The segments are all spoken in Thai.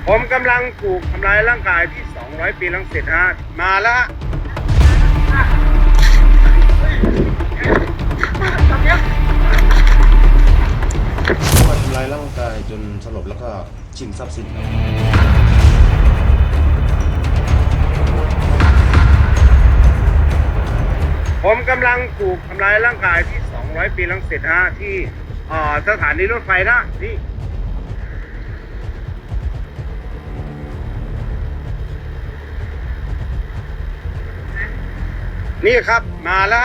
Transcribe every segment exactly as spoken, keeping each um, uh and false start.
ผมกำลังถูกทำร้ายร่างกายที่สองร้อยปีรังสิตฮะมาแล้วมาทำร้ายร่างกายจนสลบแล้วก็ชิงทรัพย์สินครับผมกำลังถูกทำร้ายร่างกายที่สองร้อยปีรังสิตฮะที่สถานีรถไฟนะนี่นี่ครับมาแล้ว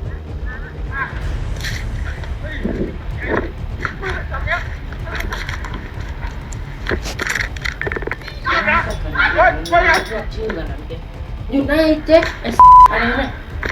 ชื่อกันนะพี่หยุดได้เจ๊ไอ้อะไรเนี่ย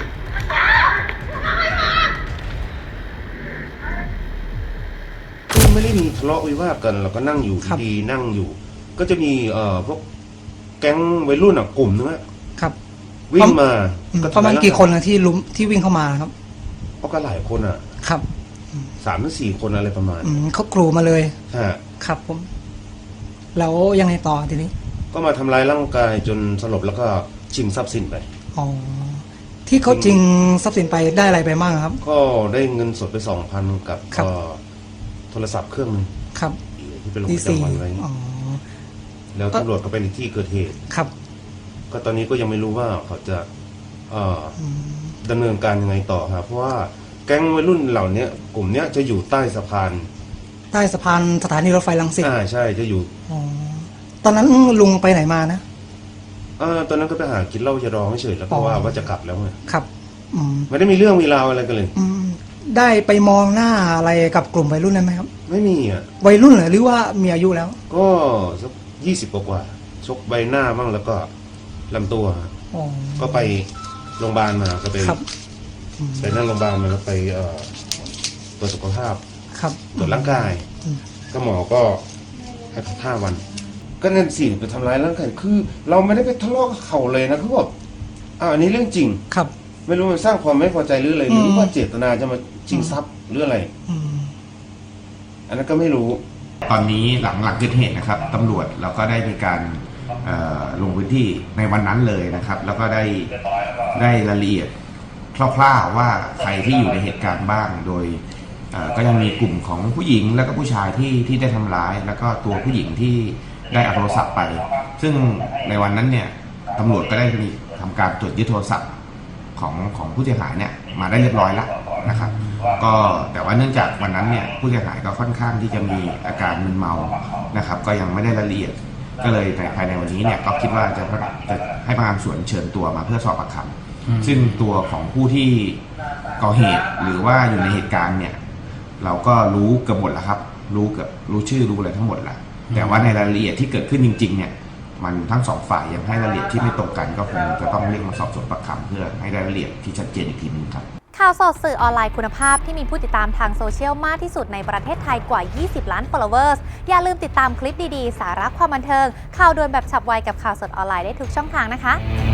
ไม่ได้มีทะเลาะวิวาทกันเราก็นั่งอยู่ดีๆนั่งอยู่ ก็จะมีเอ่อพวกแก๊งวัยรุ่นอ่ะกลุ่มนึงอะครับวิ่งมาประมาณกี่คนนะที่ลุมที่วิ่งเข้ามาครับก็หลายคนอ่ะครับสามถึงสี่คนอะไรประมาณเขากรูมาเลยฮะครับผมแล้วยังไงต่อทีนี้ก็มาทำร้ายร่างกายจนสลบแล้วก็ชิงทรัพย์สินไปอ๋อที่เขาชิงทรัพย์สินไปได้อะไรไปบ้างครับก็ได้เงินสดไปสองพันกับก็โทรศัพท์เครื่องนึงครับที่เป็นลงประจำวันไว้แล้วตำรวจก็ไปในที่เกิดเหตุครับก็ตอนนี้ก็ยังไม่รู้ว่าเขาจะดำเนินการยังไงต่อครับเพราะว่าแก๊งวัยรุ่นเหล่านี้กลุ่มนี้จะอยู่ใต้สะพานใต้สะพานสถานีรถไฟรังสิตอ่าใช่จะอยู่อ๋อตอนนั้นลุงไปไหนมานะอ่าตอนนั้นก็ไปหากินเหล้าจะรอไม่เฉยแล้วเพราะว่าว่าจะกลับแล้วไงครับไม่ได้มีเรื่องมีราวอะไรกันเลยได้ไปมองหน้าอะไรกับกลุ่มวัยรุ่นนั้นไหมครับไม่มีอ่ะวัยรุ่นเหรอหรือว่ามีอายุแล้วก็สักยี่สิบกว่าชกใบหน้าบ้างแล้วก็ลำตัวก็ไปโรงพยาบาลมาก็ไปไปนั่งโรงพยาบาลมาแล้วไปเอ่อตรวจสุขภาพตรวจร่างกายก็หมอก็ให้พักห้าวันก็นั่นสิไปทำร้ายร่างกายคือเราไม่ได้ไปทะเลาะกับเขาเลยนะคือแบบอ่าอันนี้เรื่องจริงครับไม่รู้มันสร้างความไม่พอใจหรืออะไรหรือว่าเจตนาจะมาชิงทรัพย์หรืออะไรอันนั้นก็ไม่รู้ตอนนี้หลังหลังเกิดเหตุนะครับตำรวจเราก็ได้มีการลงพื้นที่ในวันนั้นเลยนะครับแล้วก็ได้ได้รายละเอียดคร่าวๆว่าใครที่อยู่ในเหตุการณ์บ้างโดยก็ยังมีกลุ่มของผู้หญิงแล้วก็ผู้ชายที่ที่ได้ทำร้ายแล้วก็ตัวผู้หญิงที่ได้เอาโทรศัพท์ไปซึ่งในวันนั้นเนี่ยตำรวจก็ได้มีทำการตรวจยึดโทรศัพท์ของของผู้เสียหายเนี่ยมาได้เรียบร้อยแล้วนะครับก็แต่ว่าเนื่องจากวันนั้นเนี่ยผู้เสียหายก็ค่อนข้างที่จะมีอาการมึนเมานะครับก็ยังไม่ได้รายละเอียดก็เลยในภายในวันนี้เนี่ยก็คิดว่าจะจะให้พนักงานสวนเชิญตัวมาเพื่อสอบปากคำซึ่งตัวของผู้ที่ก่อเหตุหรือว่าอยู่ในเหตุการณ์เนี่ยเราก็รู้เกือบหมดแล้วครับรู้เกือบรู้ชื่อรู้อะไรทั้งหมดแล้วแต่ว่าในรายละเอียดที่เกิดขึ้นจริงๆเนี่ยมันทั้งสองฝ่ายยังให้รายละเอียดที่ไม่ตรงกันก็คงจะต้องเรียกมาสอบสวนปากคำเพื่อให้รายละเอียดที่ชัดเจนอีกทีนึงครับข่าวสดสื่อออนไลน์คุณภาพที่มีผู้ติดตามทางโซเชียลมากที่สุดในประเทศไทยกว่ายี่สิบล้าน followers อย่าลืมติดตามคลิปดีๆสาระความบันเทิงข่าวด่วนแบบฉับไวกับข่าวสดออนไลน์ได้ทุกช่องทางนะคะ